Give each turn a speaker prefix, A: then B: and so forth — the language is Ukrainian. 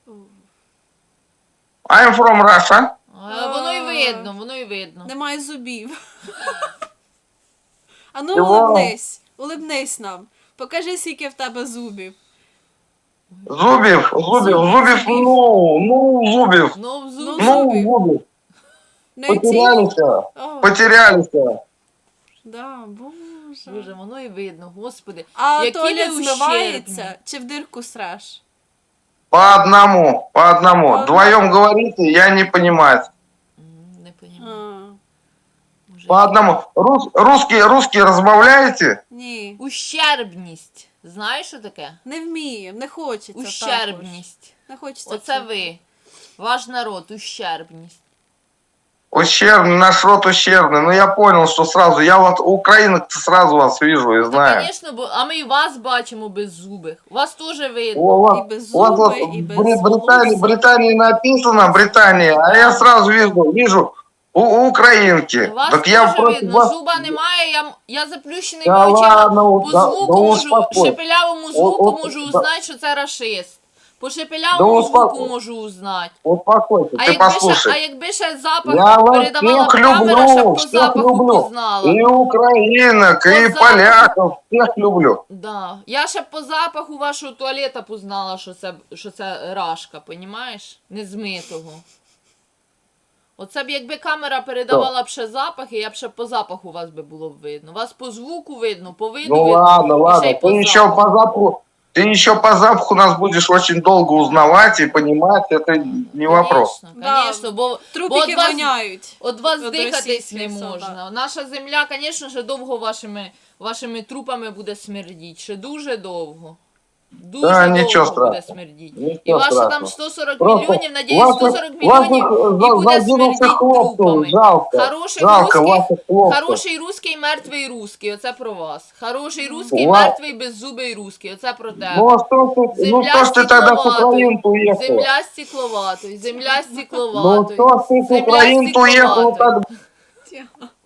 A: I'm from Russia.
B: Воно й видно, воно й видно.
C: Немає зубів. А ну
A: Чого?
C: улибнись нам. Покажи, скільки в тебе зубів.
A: Зубів, зубів, зубів.
B: Ну,
C: Ну,
A: Зубів.
C: Не
A: Потерялися,
C: О,
A: потерялися.
C: да, боже.
B: Боже, воно й видно, господи.
C: А
B: Які
C: туалет
B: ви
C: змивається
B: ущербні.
C: чи в дирку среш?
A: По одному.
C: одному.
A: Вдвоем говорите, я не понимаю.
B: Не
C: А,
B: понімаю. Боже,
A: По одному. Русский разбавляете?
C: ні,
B: Ущербність. Знаєш, що таке?
C: не вміємо, не хочеться також.
B: Ущербність.
C: Не хочеться.
B: Оце
C: чути.
B: ви. Ваш народ, ущербність.
A: Ущербный, наш род ущербный. Ну я понял, что сразу. Я вот украинок сразу вас вижу и
B: Та,
A: знаю.
B: звісно, а ми і вас бачимо без зубих. Вас теж видно.
A: У вас,
C: И без
A: у вас вот
C: зуба, и без
A: Британии,
C: волоса.
A: Британии написано Британия, а я сразу вижу украинки.
B: Вас
A: Так я
B: теж
A: против
B: видно,
A: вас.
B: зуба немає, я заплющеними
A: Да
B: очима
A: ладно,
B: по
A: да
B: звуку можу,
A: успокойся.
B: шепелявому звуку можу
A: да.
B: узнати, що це рашист. По шепелявому
A: Да
B: звуку
A: успокойся.
B: можу узнати.
A: Успокойся, ты
B: А
A: послушай.
B: якби ще запах
A: Я вас
B: передавала б
A: всех
B: камера, щоб
A: люблю,
B: по
A: всех
B: запаху
A: люблю.
B: познала.
A: И украинок,
B: По
A: и
B: запаху.
A: поляков, всех люблю.
B: Да. Я ще по запаху вашого туалета познала, що це рашка, понімаєш? Незмитого. Оце б якби камера передавала б ще запахи, я б ще по запаху вас би було б видно. Вас по звуку видно, по виду
A: Ну
B: видно.
A: ладно,
B: і ще й по
A: ты еще
B: запаху.
A: по запаху, ты еще по запаху нас будешь очень долго узнавать и понимать, это не вопрос.
C: Да.
B: Конечно, бо
C: Трупики
B: от вас-
C: воняють.
B: От вас
C: Від
B: дихатись
C: російських
B: не
C: солдат.
B: можна. Наша земля, звісно, ще довго вашими трупами буде смердіти. Ще дуже довго. Дуже
A: Да,
B: довго
A: нічого
B: буде
A: страшного.
B: смердіти.
A: Нічого
B: І ваше
A: страшного.
B: там 140
A: Просто
B: мільйонів, надіюсь,
A: ваших-
B: 140 мільйонів
A: ваших
B: і буде
A: задумався
B: смердіти
A: хлопців,
B: трупами.
A: жалко.
B: Хороших
A: Жалко
B: русських,
A: ваших хлопців.
B: хороший русський, мертвий русський. Оце про вас. Хороший русський,
A: Ва-
B: мертвий, беззубий русський. Оце про тебе.
A: Ну а что ж ты тогда с Украины уехала?
B: Земля стекловатої, земля
A: Ну
B: стекловатої.
A: что ж ты с
B: Земля
A: Украины уехала
B: стекловатої.
A: тогда?
C: Тихо.